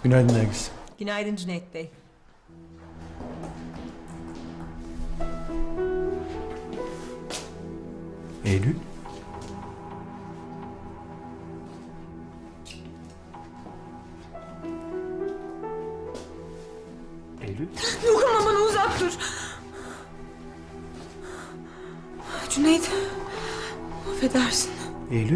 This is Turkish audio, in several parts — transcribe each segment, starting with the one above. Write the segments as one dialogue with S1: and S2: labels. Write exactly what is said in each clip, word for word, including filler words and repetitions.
S1: Günaydın Nergis.
S2: Günaydın Cüneyt Bey.
S1: Eylül. Eylül.
S2: Dokunma bana, uzak dur. Cüneyt, affedersin.
S1: Eylül.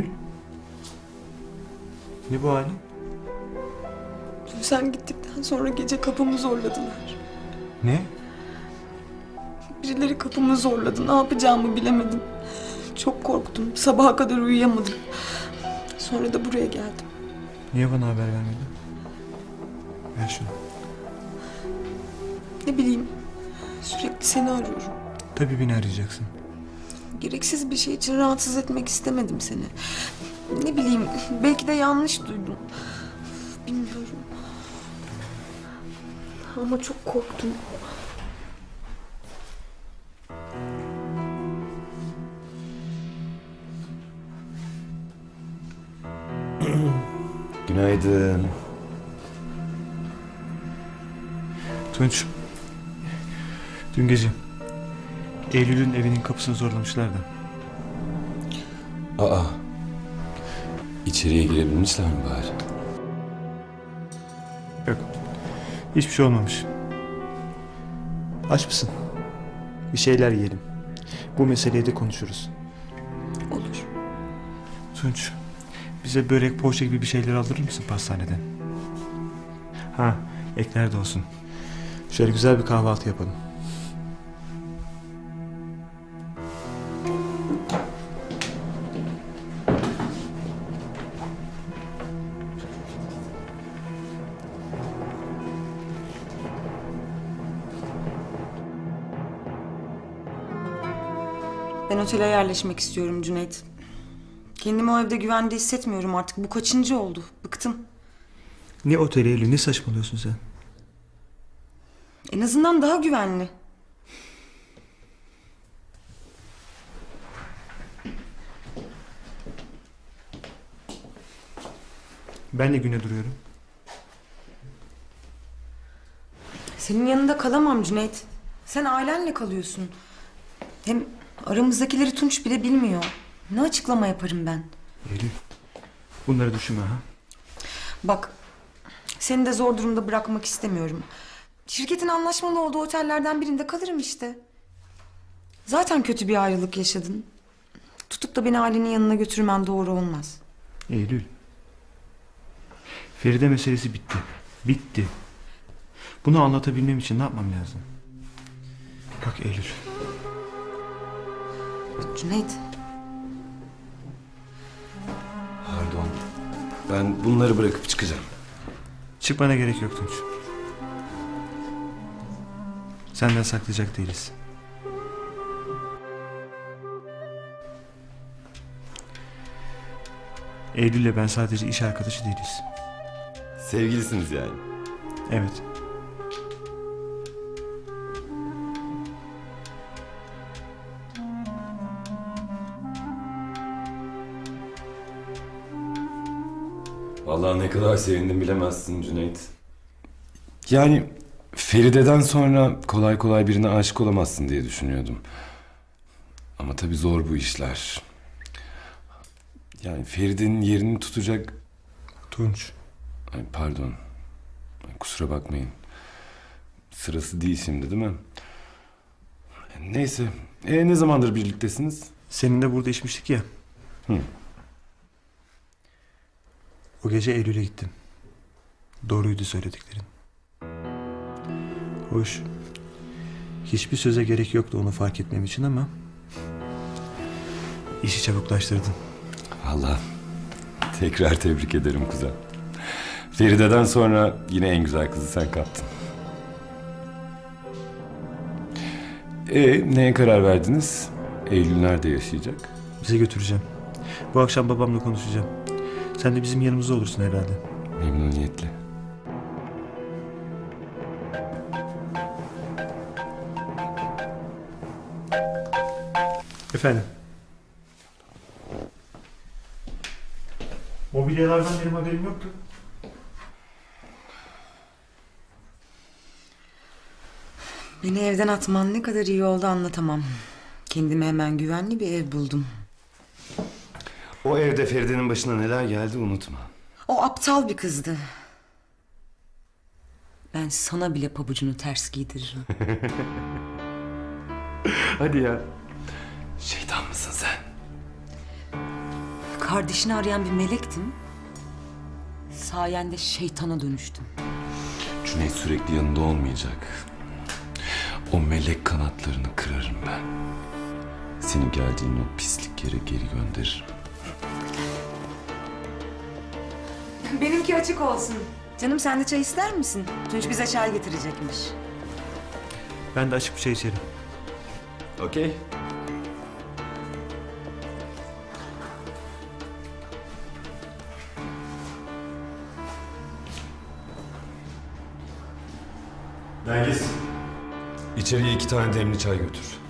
S1: Ne bu halin?
S2: Dün sen gittikten sonra gece kapımı zorladılar.
S1: Ne?
S2: Birileri kapımı zorladı. Ne yapacağımı bilemedim. Çok korktum. Sabaha kadar uyuyamadım. Sonra da buraya geldim.
S1: Niye bana haber vermedin? Ver şunu.
S2: Ne bileyim, sürekli seni arıyorum.
S1: Tabii beni arayacaksın.
S2: Gereksiz bir şey için rahatsız etmek istemedim seni. Ne bileyim, belki de yanlış duydum. Bilmiyorum. Ama çok korktum.
S3: Günaydın.
S1: Tunç. Dün gece Eylül'ün evinin kapısını zorlamışlar da.
S3: Aa. İçeriye girebilmişler mi bari?
S1: Yok. Hiçbir şey olmamış. Aç mısın? Bir şeyler yiyelim. Bu meseleyi de konuşuruz.
S2: Olur.
S1: Tunç. Bize börek, poğaça gibi bir şeyler aldırır mısın pastaneden? Ha, ekler de olsun. Şöyle güzel bir kahvaltı yapalım.
S2: Ben otele yerleşmek istiyorum Cüneyt. Kendimi o evde güvende hissetmiyorum artık. Bu kaçıncı oldu? Bıktım.
S1: Ne oteli Eylül, ne saçmalıyorsun sen?
S2: En azından daha güvenli.
S1: Ben de güne duruyorum.
S2: Senin yanında kalamam Cüneyt. Sen ailenle kalıyorsun. Hem aramızdakileri Tunç bile bilmiyor. Ne açıklama yaparım ben?
S1: Eylül, bunları düşünme ha.
S2: Bak, seni de zor durumda bırakmak istemiyorum. Şirketin anlaşmalı olduğu otellerden birinde kalırım işte. Zaten kötü bir ayrılık yaşadın. Tutup da beni ailenin yanına götürmen doğru olmaz.
S1: Eylül. Feride meselesi bitti. Bitti. Bunu anlatabilmem için ne yapmam lazım? Bak Eylül.
S2: Cüneyt.
S3: Pardon. Ben bunları bırakıp çıkacağım.
S1: Çıkmana gerek yok Tunç. Senden saklayacak değiliz. Eylül'le ben sadece iş arkadaşı değiliz.
S3: Sevgilisiniz yani.
S1: Evet.
S3: Vallahi ne kadar sevindim bilemezsin Cüneyt. Yani Feride'den sonra kolay kolay birine aşık olamazsın diye düşünüyordum. Ama tabii zor bu işler. Yani Feride'nin yerini tutacak...
S1: Tunç.
S3: Ay pardon. Ay, kusura bakmayın. Sırası değil şimdi değil mi? Neyse. E, ne zamandır birliktesiniz?
S1: Seninle burada içmiştik ya.
S3: Hı.
S1: O gece Eylül'e gittim. Doğruydu söylediklerin. Hoş. Hiçbir söze gerek yoktu onu fark etmem için ama... işi çabuklaştırdın.
S3: Vallahi tekrar tebrik ederim kuzen. Feride'den sonra yine en güzel kızı sen kaptın. E neye karar verdiniz? Eylül nerede yaşayacak?
S1: Bize götüreceğim. Bu akşam babamla konuşacağım. Sen de bizim yanımızda olursun herhalde.
S3: Memnuniyetle.
S1: Efendim? Mobilyalardan benim haberim yoktu.
S2: Beni evden atman ne kadar iyi oldu anlatamam. Kendime hemen güvenli bir ev buldum.
S3: O evde Feride'nin başına neler geldi unutma.
S2: O aptal bir kızdı. Ben sana bile pabucunu ters giydiririm.
S3: Hadi ya. Şeytan mısın sen?
S2: Kardeşini arayan bir melektim. Sayende şeytana dönüştüm.
S3: Cüneyt sürekli yanında olmayacak. O melek kanatlarını kırarım ben. Seni geldiğin o pislik yere geri gönderirim.
S2: Benimki açık olsun. Canım sen de çay ister misin? Tunç bize çay getirecekmiş.
S1: Ben de açık bir şey içerim.
S3: Okey. Nergis. İçeriye iki tane demli çay götür.